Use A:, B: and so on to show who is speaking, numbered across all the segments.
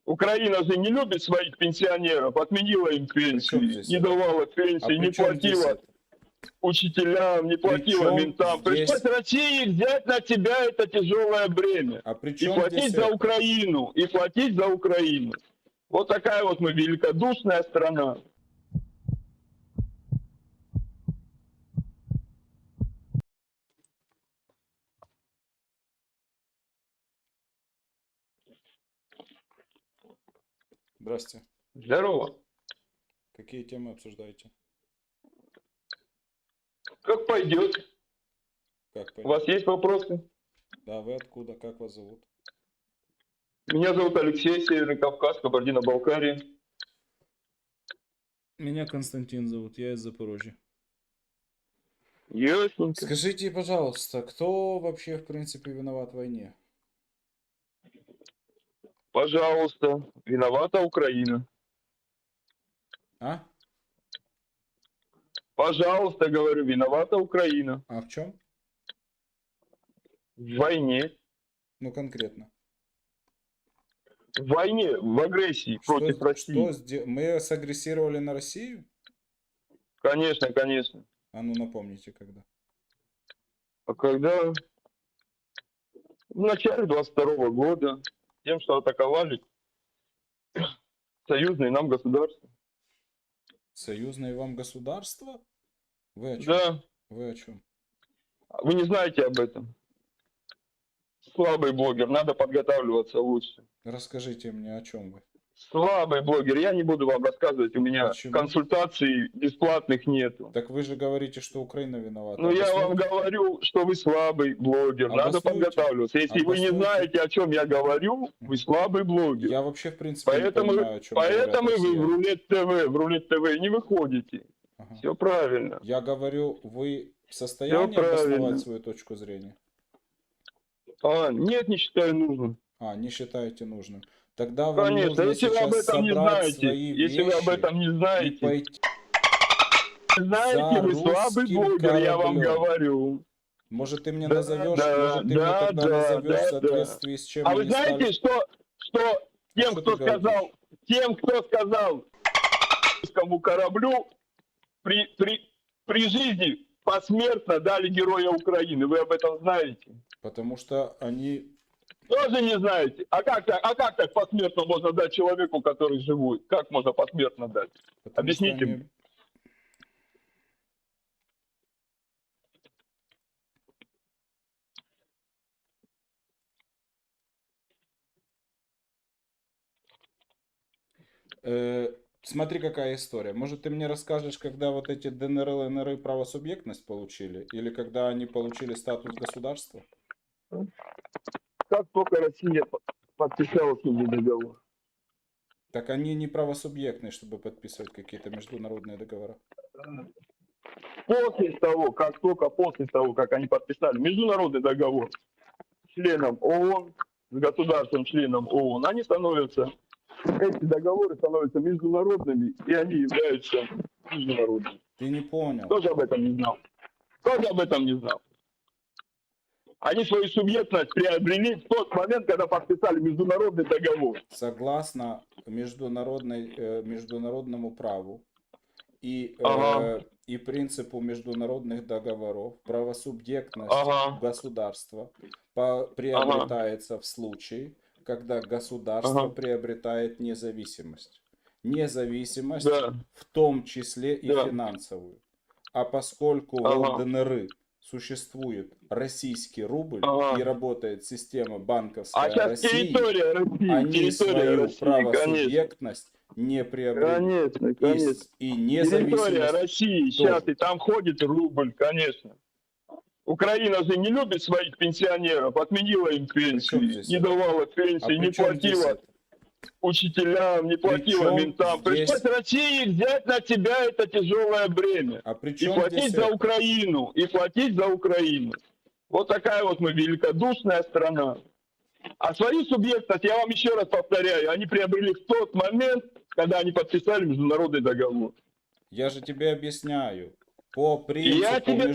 A: Украина же не любит своих пенсионеров, отменила им
B: Причем
A: пенсии,
B: здесь
A: не
B: это?
A: давала
B: А
A: пенсии, не
B: при чем здесь
A: платила
B: это?
A: учителям, не платила
B: Причем
A: ментам.
B: здесь...
A: Пришлось России взять на себя это тяжелое бремя.
B: А при
A: И
B: чем
A: платить
B: здесь
A: за
B: это?
A: Украину, и платить за Украину. Вот такая вот мы великодушная страна.
B: Здрасте.
A: Здорово.
B: Какие темы обсуждаете?
A: Как пойдет?
B: Как
A: У вас
B: понять?
A: есть вопросы?
B: Да, вы откуда? Как вас зовут?
A: Меня зовут Алексей, Северный Кавказ, Кабардино-Балкария.
B: Меня Константин зовут, я из Запорожья.
A: Ясненько.
B: Скажите, пожалуйста, кто вообще в принципе виноват в войне?
A: Пожалуйста, виновата Украина.
B: А?
A: Пожалуйста, говорю, виновата Украина.
B: А в чем?
A: В войне.
B: Ну конкретно.
A: В войне, в агрессии против России.
B: Мы сагрессировали на Россию?
A: Конечно, конечно.
B: А ну напомните, когда.
A: А когда в начале 22 года тем, что атаковали союзные нам государства.
B: Союзное вам государство? Вы о чем?
A: Да,
B: Вы о чем?
A: вы не знаете об этом. Слабый блогер, надо подготавливаться лучше.
B: Расскажите мне, о чем вы?
A: Слабый блогер, я не буду вам рассказывать, у меня
B: Почему?
A: консультаций бесплатных нету.
B: Так вы же говорите, что Украина виновата.
A: Ну, я вам
B: Обоснуйте.
A: говорю, что вы слабый блогер, надо
B: Обоснуйте.
A: подготавливаться. Если вы не
B: Обоснуйте.
A: знаете, о чем я говорю, вы слабый блогер.
B: Я вообще в принципе не
A: Поэтому
B: понимаю, о чем говорят
A: вы в
B: россияне.
A: Рулет ТВ не выходите.
B: Ага.
A: Все правильно.
B: Я говорю, вы в состоянии
A: правильно.
B: обосновать свою точку зрения?
A: Нет, не считаю нужным.
B: Не считаете нужным. Тогда вам
A: Конечно,
B: нужно
A: если вы об
B: сейчас
A: этом не
B: собрать
A: знаете,
B: свои
A: если вы об
B: вещи
A: этом не
B: и
A: знаете,
B: пойти
A: знаете,
B: за
A: вы слабый
B: русским
A: блогер, я вам
B: кораблем.
A: говорю.
B: Может, ты мне
A: Да,
B: назовешь,
A: да,
B: может, ты мне
A: да,
B: тогда
A: да,
B: назовешь в
A: да,
B: соответствии с чем
A: А вы
B: они
A: знаете,
B: стали...
A: что тем,
B: что
A: кто
B: ты говоришь?
A: сказал русскому кораблю, при жизни посмертно дали Героя Украины. Вы об этом знаете?
B: Потому что они...
A: Тоже не знаете. А как так посмертно можно дать человеку, который живой? Как можно посмертно дать?
B: Потому
A: Объясните
B: что
A: мне.
B: они... Смотри, какая история. Может, ты мне расскажешь, когда вот эти ДНР, ЛНР правосубъектность получили? Или когда они получили статус государства?
A: Как только Россия подписала с ними договор.
B: Так они не правосубъектные, чтобы подписывать какие-то международные договора.
A: После того, как они подписали международный договор с членом ООН, с государством-членом ООН, эти договоры становятся международными, и они являются международными.
B: Ты не понял.
A: Кто же об этом не знал? Они свою субъектность приобрели в тот момент, когда подписали международный договор.
B: Согласно международному праву и принципу международных договоров, правосубъектность государства приобретается в случае, когда государство приобретает независимость. Независимость в том числе и финансовую. А поскольку в ЛДНР существует российский рубль и работает система банковская России, они свою правосубъектность не приобрели.
A: Конечно.
B: И независимость
A: Территория России сейчас, и там ходит рубль, конечно. Украина же не любит своих пенсионеров, отменила им пенсии, не давала пенсии, не платила учителям, не платила ментам. Пришлось России взять на себя это тяжелое бремя. И платить за Украину, Вот такая вот мы великодушная страна. А свою субъектность, я вам еще раз повторяю, они приобрели в тот момент, когда они подписали международный договор.
B: Я же тебе объясняю. По принципу
A: я тебе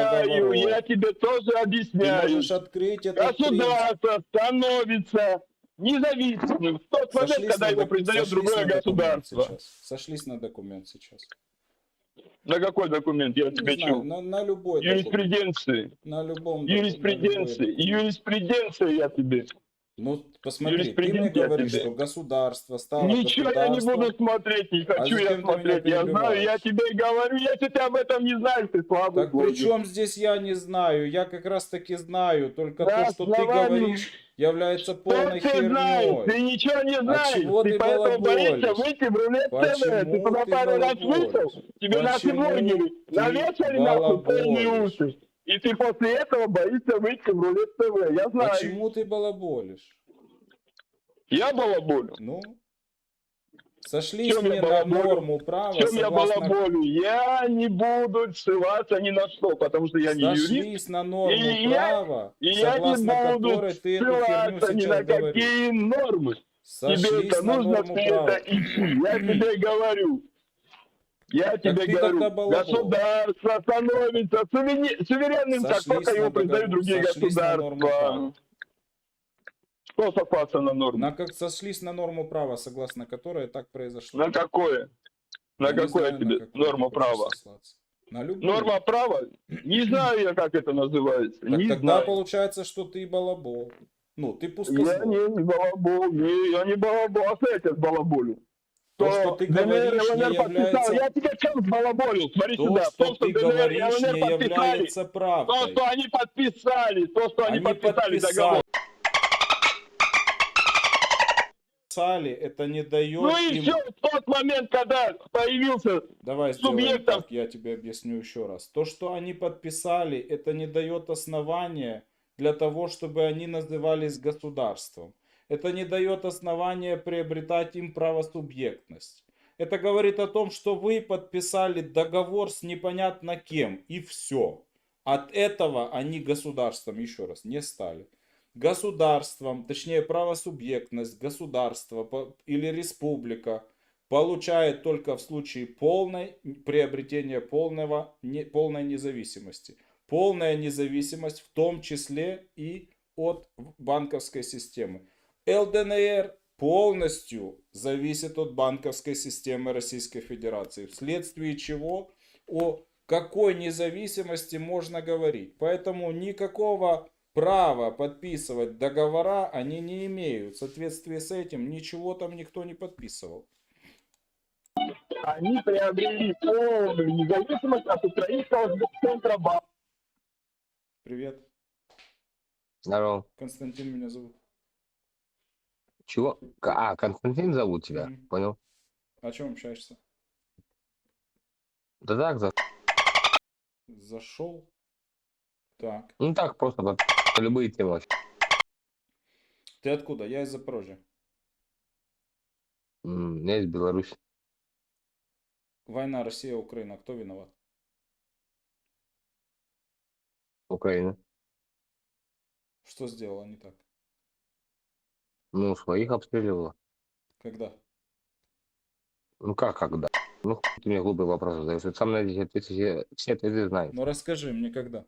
A: тоже объясняю.
B: Ты можешь открыть этот
A: Государство становится независимым в тот момент, когда его признает другое государство.
B: Сошлись на документ сейчас.
A: На какой документ? Я
B: Не
A: тебе
B: знаю,
A: чё?
B: на любой документ.
A: Юриспруденции.
B: На любом
A: Юриспруденции. Юриспруденция я тебе.
B: Ну, посмотри, ты мне
A: Юриспрудент я
B: говоришь,
A: тебе.
B: что государство стало
A: Ничего я не
B: государством.
A: буду смотреть, не хочу я
B: зачем ты меня
A: смотреть. Я знаю, я
B: перебиваешь?
A: тебе и говорю, если ты об этом не знаешь, ты слабый
B: Так при
A: блогер.
B: чем здесь я не знаю? Я как раз таки знаю. Только
A: Да,
B: то, что ты
A: словами.
B: говоришь, является
A: Что
B: полной
A: ты знаешь? Ты
B: херней.
A: ничего не знаешь.
B: чего ты
A: поэтому боишься
B: балаболишь?
A: выйти в рулет ТВ. Ты
B: Почему
A: туда
B: ты
A: пару раз
B: балаболишь?
A: вышел, тебе наши
B: Почему
A: блогеры
B: ты
A: навешали нахуй полные
B: балаболишь?
A: уши. И ты после этого боишься выйти в рулет ТВ. Я знаю.
B: Почему ты балаболишь?
A: Я балаболю.
B: Ну, сошлись
A: Чем я
B: мне на
A: балаболю?
B: норму права,
A: Чем я
B: согласно...
A: балаболю? Я не буду ссылаться ни на что, потому что я не юрист.
B: Сошлись на норму
A: И
B: права,
A: я не
B: согласно
A: буду
B: которой ты эту херню
A: ссылаться ни на
B: сейчас говоришь.
A: какие нормы. Тебе
B: Сошлись
A: это
B: на
A: нужно
B: норму
A: все
B: права.
A: это идти. Я тебе говорю. Я тебе
B: ты
A: говорю,
B: тогда балабол.
A: государство становится суверенным, как
B: Сошлись
A: только его
B: на
A: признают другие
B: сошлись на норму права.
A: государства. Что сослаться на норму?
B: Сошлись на норму права, согласно которой так произошло.
A: На какое? На
B: Я не
A: какое
B: знаю, на
A: тебе
B: какую
A: норма
B: ты хочешь
A: права?
B: сослаться. На любую.
A: Норма права? Не знаю я, как это называется.
B: Так
A: не
B: тогда
A: знаю.
B: получается, что ты балабол. Ну, ты
A: Я
B: пускослов.
A: не балабол, я не балабол, а что я тебя балаболю?
B: То, что ты говоришь, не является...
A: Я тебе чем балаболил? Смотри
B: То,
A: сюда.
B: что ты говоришь, не является
A: То,
B: правдой.
A: что они подписали, договор.
B: Это не дает
A: Ну и
B: им...
A: все, в тот момент, когда появился
B: Давай сделаем
A: субъектов.
B: так, я тебе объясню еще раз. То, что они подписали, это не дает основания для того, чтобы они назывались государством. Это не дает основания приобретать им правосубъектность. Это говорит о том, что вы подписали договор с непонятно кем, и все. От этого они государством, еще раз, не стали. Государством, точнее правосубъектность, государство или республика получает только в случае приобретения полной независимости. Полная независимость в том числе и от банковской системы. ЛДНР полностью зависит от банковской системы Российской Федерации, вследствие чего о какой независимости можно говорить. Поэтому никакого права подписывать договора они не имеют. В соответствии с этим ничего там никто не подписывал.
A: Они приобрели полную независимость от украинского Центробанка.
B: Привет.
C: Здорово.
B: Константин меня зовут.
C: Чего? Константин зовут тебя?
B: Мгм.
C: Понял?
B: О чем общаешься?
C: Да так,
B: Зашел. Так.
C: ну так, просто на любые темы.
B: Ты откуда? Я из Запорожья.
C: Я из Беларуси.
B: Война Россия-Украина. Кто виноват?
C: Украина.
B: Что сделала не так?
C: Ну, своих обстреливала.
B: Когда?
C: Ну как, когда? Ну, хуй ты мне глупый вопрос задаешь. Вот сам на эти ответы, все ответы знаешь.
B: Ну расскажи мне когда.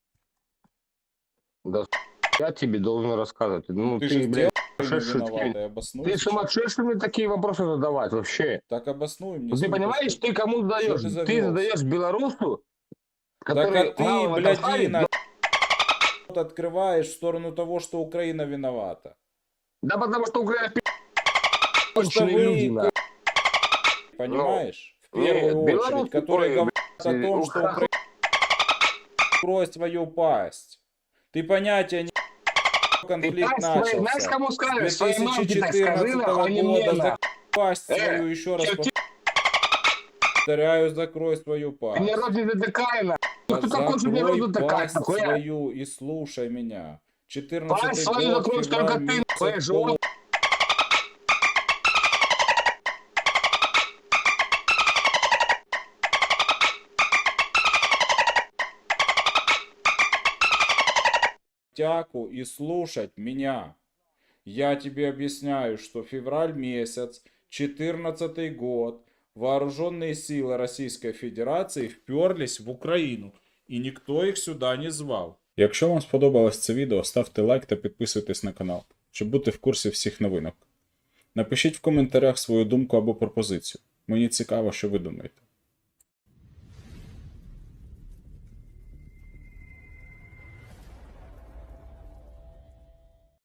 C: Да, я тебе должен рассказывать. Ну,
B: ты же
C: ты, блядь,
B: Украина
C: сумасшедший.
B: виновата, обоснуй.
C: Ты
B: сейчас.
C: сумасшедший мне такие вопросы задавать вообще.
B: Так обоснуй мне.
C: Ну, ты
B: сколько
C: понимаешь,
B: стоит.
C: ты кому задаешь?
B: ты
C: Ты
B: завелся?
C: задаешь белорусу,
B: Так
C: который
B: а ты,
C: мало в этом шарит,
B: блядина, открываешь в сторону того, что Украина виновата.
C: Да потому что Украина
B: Потому что
C: конченые люди,
B: вы,
C: на.
B: понимаешь, в
C: Нет,
B: первую очередь,
C: белорусы
B: которые
C: ой,
B: говорят о
C: блядь,
B: том, что Украина откроет свою пасть. Ты понятия не
C: Ты
B: конфликт
C: пасть своей, знаешь,
B: начался.
C: кому
B: С
C: скажешь? Своей мамке так
B: 2014
C: скажи, нахуй, а не мне,
B: года
C: нахуй.
B: закрой пасть свою, еще раз
C: черти-
B: повторяю, закрой свою
C: Ты
B: пасть.
C: мне рот не затыкай, на. Кто такой, что мне рот
B: Закрой
C: затыкать,
B: пасть
C: нахуй?
B: свою и слушай меня. 14
C: Пасть свою
B: год,
C: закрой только
B: февраль
C: ты,
B: месяц,
C: нахуй, живот.
B: тяку и слушать меня. Я тебе объясняю, что февраль месяц, 14 год, вооруженные силы Российской Федерации вперлись в Україну, і ніхто їх сюди не звав. Якщо вам сподобалось це відео, ставте лайк та підписуйтесь на канал. щоб бути в курсі всіх новинок. Напишіть в коментарях свою думку або пропозицію. Мені цікаво, що ви думаєте.